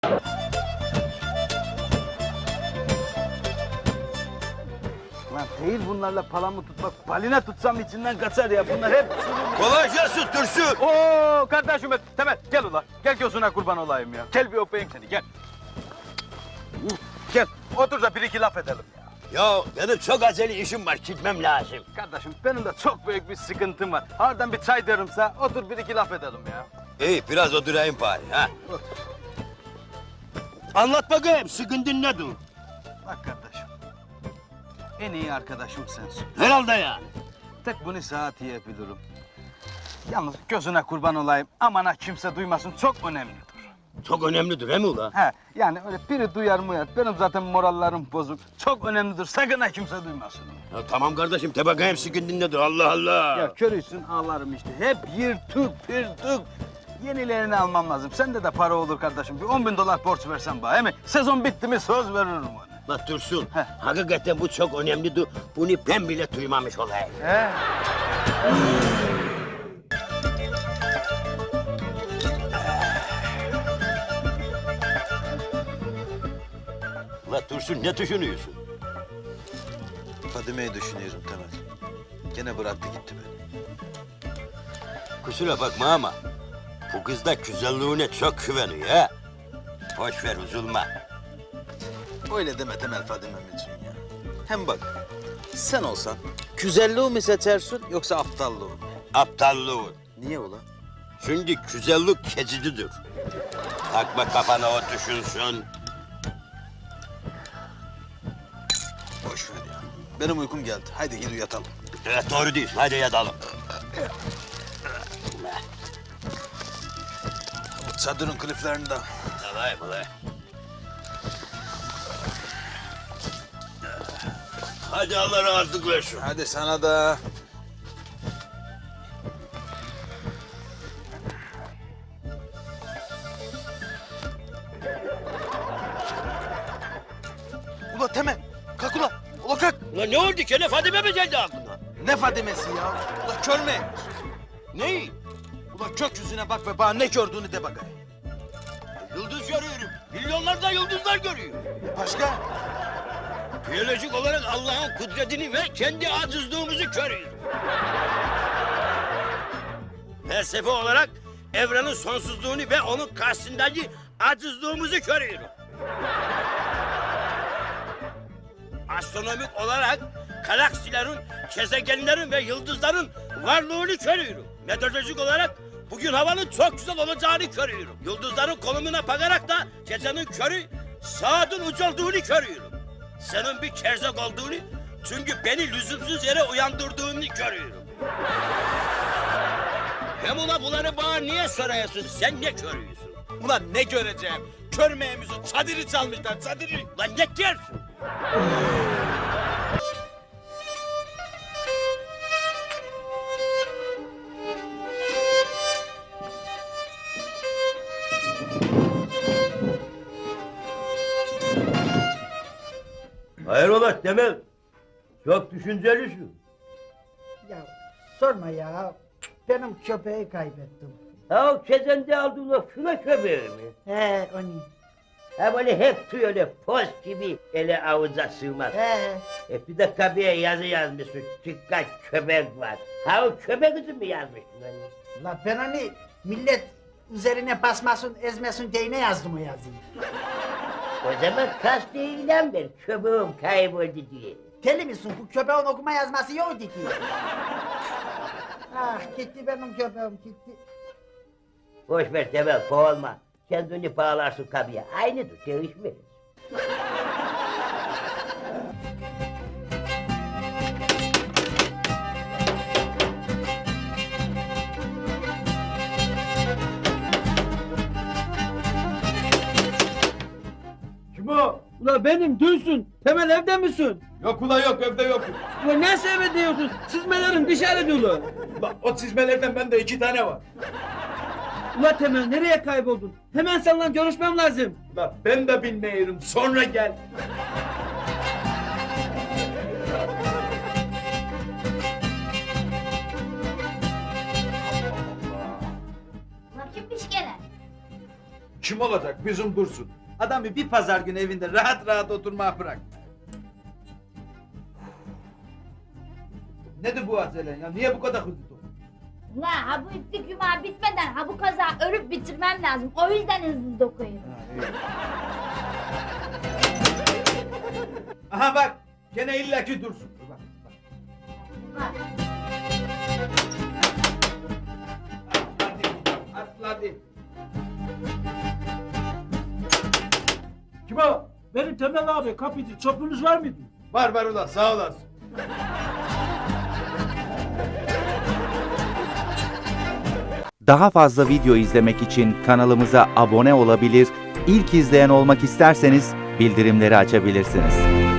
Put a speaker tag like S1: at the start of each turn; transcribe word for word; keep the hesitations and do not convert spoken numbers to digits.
S1: Lan değil bunlarla palamı tutmak, balina tutsam içinden kaçar ya. Bunlar hep...
S2: Kolay gelsin Dursun.
S1: Oo kardeşim, Temel gel ula. Gel gözüne kurban olayım ya. Gel bir öpeyim seni, gel. Uh, gel, otur da bir iki laf edelim ya.
S2: Ya benim çok acele işim var, gitmem lazım.
S1: Kardeşim benim de çok büyük bir sıkıntım var. Harbiden bir çay derimse otur bir iki laf edelim ya.
S2: İyi, biraz oturayım bari ha.
S1: Otur.
S2: Anlat bakayım, sıkıntın nedir?
S1: Bak kardeşim, en iyi arkadaşım sensin.
S2: Herhalde yani.
S1: Tek bunu sana diyebilirim. Yalnız gözüne kurban olayım, aman ha kimse duymasın, çok önemlidir.
S2: Çok önemlidir he mi ula?
S1: He, yani öyle biri duyar mı ya, benim zaten morallerim bozuk. Çok önemlidir, sakın ha kimse duymasın.
S2: Ya tamam kardeşim, de bakayım sıkıntın nedir, Allah Allah.
S1: Ya körüysün, ağlarım işte. Hep yırtık, pırtık. Yenilerini almam lazım. Sende de para olur kardeşim. Bir on bin dolar borç versen bana, he mi? Sezon bitti mi söz veririm ona.
S2: Bak Dursun,
S1: Heh.
S2: hakikaten bu çok önemlidir. Bunu ben bile duymamış olayım.
S1: He?
S2: Ula Dursun, ne düşünüyorsun?
S3: Fadime'yi düşünüyorum Temel. Gene bıraktı gitti beni.
S2: Kusura bakma ama bu kız da güzelliğine çok güveniyor ha. Boş ver, üzülme.
S3: Öyle deme Temel Fadime'm için ya. Hem bak, sen olsan güzelliği mi seçersin yoksa aptallığı mı?
S2: Aptallığın.
S3: Niye ula?
S2: Çünkü güzellik keçicidir. Takma kafana o düşünsün.
S3: Boş ver ya. Benim uykum geldi. Haydi gidip yatalım.
S2: Evet doğru diyorsun, hadi yatalım.
S3: Çadırın kliflerinde.
S2: Tamam ulan. Hadi Allah razılık versin.
S3: Hadi sana da. Ula Temel, kalk ula. Ula kalk.
S2: Ulan ne oldu ki? Ne Fadime mi geldi aklına?
S3: Ne Fadime'si ya? Ula kör mü?
S2: Ne?
S3: Ula gökyüzüne bak ve bana ne gördüğünü de bakayım.
S2: Yıldız görüyorum. Milyonlarca yıldızlar görüyor.
S3: Başka?
S2: Biyolojik olarak Allah'ın kudretini ve kendi acizliğimizi görüyor. Felsefe olarak evrenin sonsuzluğunu ve onun karşısındaki acizliğimizi görüyorum. Astronomik olarak galaksilerin, gezegenlerin ve yıldızların varlığını görüyorum. Meteorolojik olarak bugün havanın çok güzel olacağını görüyorum. Yıldızların konumuna bakarak da gecenin körü saatin uç olduğunu görüyorum. Senin bir kerzek olduğunu, çünkü beni lüzumsuz yere uyandırdığını görüyorum. Hem ula bunları bana niye soruyorsun? Sen ne görüyorsun?
S3: Ulan ne göreceğim? Kör meyemizi çadırı çalmışlar, çadırı.
S2: Lan ne diyorsun? Hayrola Temel? Çok düşüncelisin.
S4: Ya sorma ya. Benim köpeği kaybettim.
S2: Ha o kezende aldığın o file köpeği mi?
S4: He onu.
S2: Ha böyle hep tüy öyle poz gibi ele avuca sığmaz.
S4: He.
S2: E bir de kapıya yazı yazmışsın. Dikkat köpek var. Ha o köpek için mi yazmışsın hani?
S4: La ben onu millet üzerine basmasın, ezmesin diye ne yazdım o yazıyı?
S2: O zaman kast eylem ver. Köpeğim kayboldu diye.
S4: Deli misin? Bu köpeğin okuma yazması yoktu ki. Ah gitti benim köpeğim gitti.
S2: Boş ver Temel, boğulma. Kendini bağlarsın kapıya. Aynıdır, değişmez.
S5: Kim o? Ula benim Dünsün. Temel evde misin?
S6: Yok ula yok, evde yok.
S5: Ula ne sebep diyorsun? Çizmelerin dışarı dolu.
S6: Bak o çizmelerden bende iki tane var.
S5: Ula Temel nereye kayboldun? Hemen seninle görüşmem lazım.
S6: Bak ben de bilmiyorum, sonra gel.
S7: Vakitmiş gene.
S6: kim olacak? Bizim Dursun.
S1: Adamı bir pazar günü evinde rahat rahat oturmaya bırak.
S6: Nedir bu acelen ya? Niye bu kadar hızlı dokun?
S7: Ulan ha bu iplik yumağı bitmeden ha bu kaza örüp bitirmem lazım. O yüzden hızlı dokuyorum.
S6: Aha bak, gene illaki Dursun. Bak, bak.
S7: Ha.
S6: Atladı. Kim o?
S5: Benim Temel abi kapıcı. Çopunuz var mıydı?
S6: Var var ulan, sağ olasın.
S8: Daha fazla video izlemek için kanalımıza abone olabilir, ilk izleyen olmak isterseniz bildirimleri açabilirsiniz.